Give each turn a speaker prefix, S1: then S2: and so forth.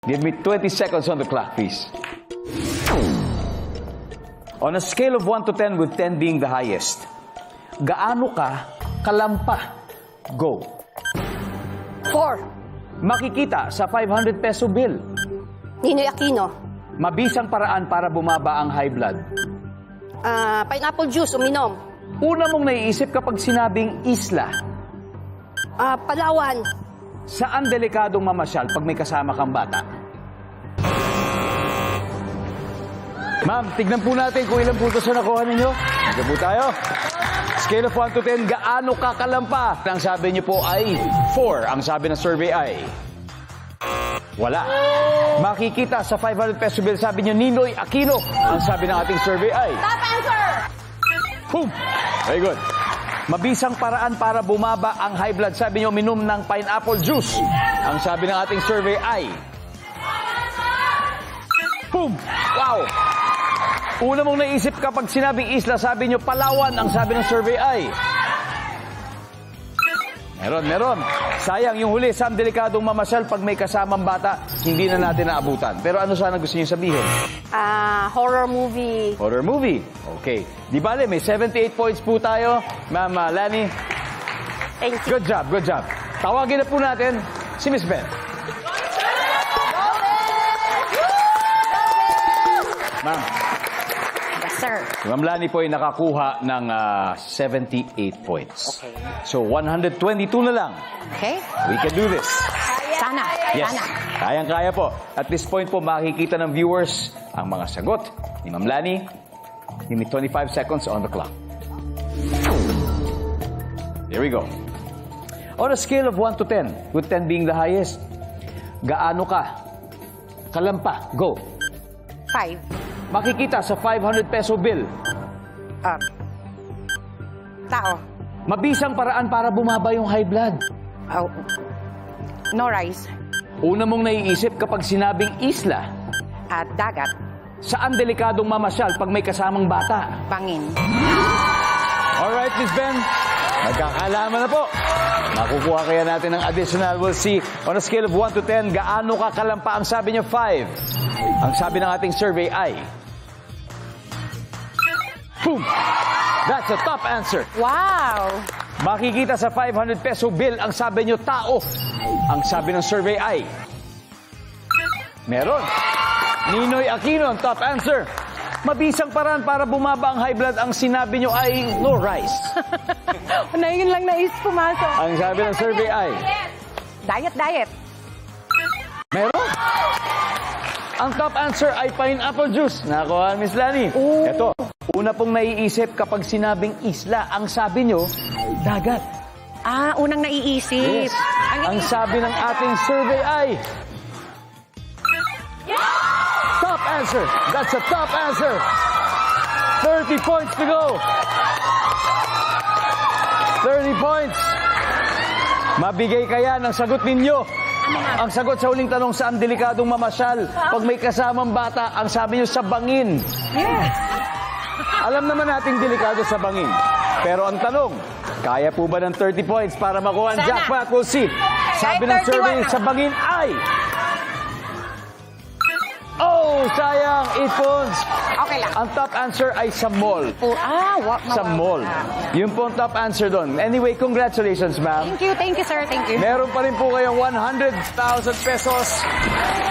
S1: Give me 20 seconds on the clock, please. On a scale of 1 to 10, with 10 being the highest, gaano ka kalampa? Go.
S2: 4.
S1: Makikita sa 500 peso bill.
S2: Ninoy Aquino.
S1: Mabisang paraan para bumaba ang high blood.
S2: Pineapple juice, uminom.
S1: Una mong naiisip kapag sinabing isla.
S2: Palawan.
S1: Saan delikadong mamasyal pag may kasama kang bata? Ma'am, tignan po natin kung ilang puntos na nakuha ninyo. Nandiyan po tayo. Scale of 1 to 10, gaano kakalampa? Ang sabi niyo po ay 4. Ang sabi ng survey ay wala. Makikita sa 500 peso bill, sabi niyo Ninoy Aquino. Ang sabi ng ating survey ay
S2: Top answer!
S1: boom! Very good. Mabisang paraan para bumaba ang high blood, sabi niyo minom ng pineapple juice. Ang sabi ng ating survey ay boom! Wow! Una mong naisip kapag sinabing isla, sabi niyo Palawan. Ang sabi ng survey ay meron. Sayang yung huli, saan delikadong mamasyal pag may kasamang bata, hindi na natin naabutan. Pero ano sana gusto niyo sabihin?
S2: Horror movie.
S1: Horror movie. Okay. Di bale, may 78 points po tayo. Ma'am Lani,
S2: Thank you.
S1: good job. Tawagin na po natin si Miss Beth. Ma'am,
S2: Yes, sir.
S1: si Ma'am Lani po ay nakakuha ng 78 points.
S2: Okay.
S1: So, 122 na lang.
S2: Okay?
S1: We can do this.
S2: Sana.
S1: Yes.
S2: Sana.
S1: Kayang-kaya po. At this point po, makikita ng viewers ang mga sagot ni Ma'am Lani. Give me 25 seconds on the clock. There we go. On a scale of 1 to 10, with 10 being the highest, gaano ka kalampa? Go.
S2: 5.
S1: Makikita sa 500 peso bill.
S2: Tao.
S1: Mabisang paraan para bumaba yung high blood.
S2: Oh. No rice.
S1: Una mong naiisip kapag sinabing isla,
S2: At dagat.
S1: saan delikadong mamasyal pag may kasamang bata?
S2: Bangin.
S1: Alright, Miss Ben. Magkakalaman na po. Makukuha kaya natin ng additional. We'll see. On a scale of 1 to 10, gaano kakalampa? Ang sabi niyo, 5. Ang sabi ng ating survey ay boom! That's a top answer.
S2: Wow!
S1: Makikita sa 500 peso bill, ang sabi niyo, tao. Ang sabi ng survey ay meron. Ninoy Aquino, ang top answer. Mabisang paraan para bumaba ang high blood, ang sinabi niyo ay no rice.
S2: Na yun lang nais pumasok.
S1: Ang sabi ng survey ay
S2: Diet.
S1: meron. Ang top answer ay pineapple juice. Nakuha, Miss Lani.
S2: Oh.
S1: Ito, una pong naiisip kapag sinabing isla, ang sabi nyo, dagat.
S2: Unang naiisip.
S1: Yes. Ang sabi ng ating survey ay top answer. That's a top answer. 30 points to go. 30 points. Mabigay kaya ng sagot ninyo. Ang sagot sa huling tanong, saan delikadong mamasyal pag may kasamang bata? Ang sabi nyo, sa bangin.
S2: Yes.
S1: Alam naman nating delikado sa bangin. Pero ang tanong, kaya po ba ng 30 points para makuha ang
S2: Sana.
S1: jackpot? We'll see. Sabi ng
S2: 31
S1: survey,
S2: na.
S1: sa bangin ay oh, sayang, 8 points.
S2: Okay lang.
S1: Ang top answer ay sa mall. Sa mall. Yun po ang top answer doon. Anyway, congratulations, ma'am.
S2: Thank you, sir. Thank you.
S1: Meron pa rin po kayong 100,000 pesos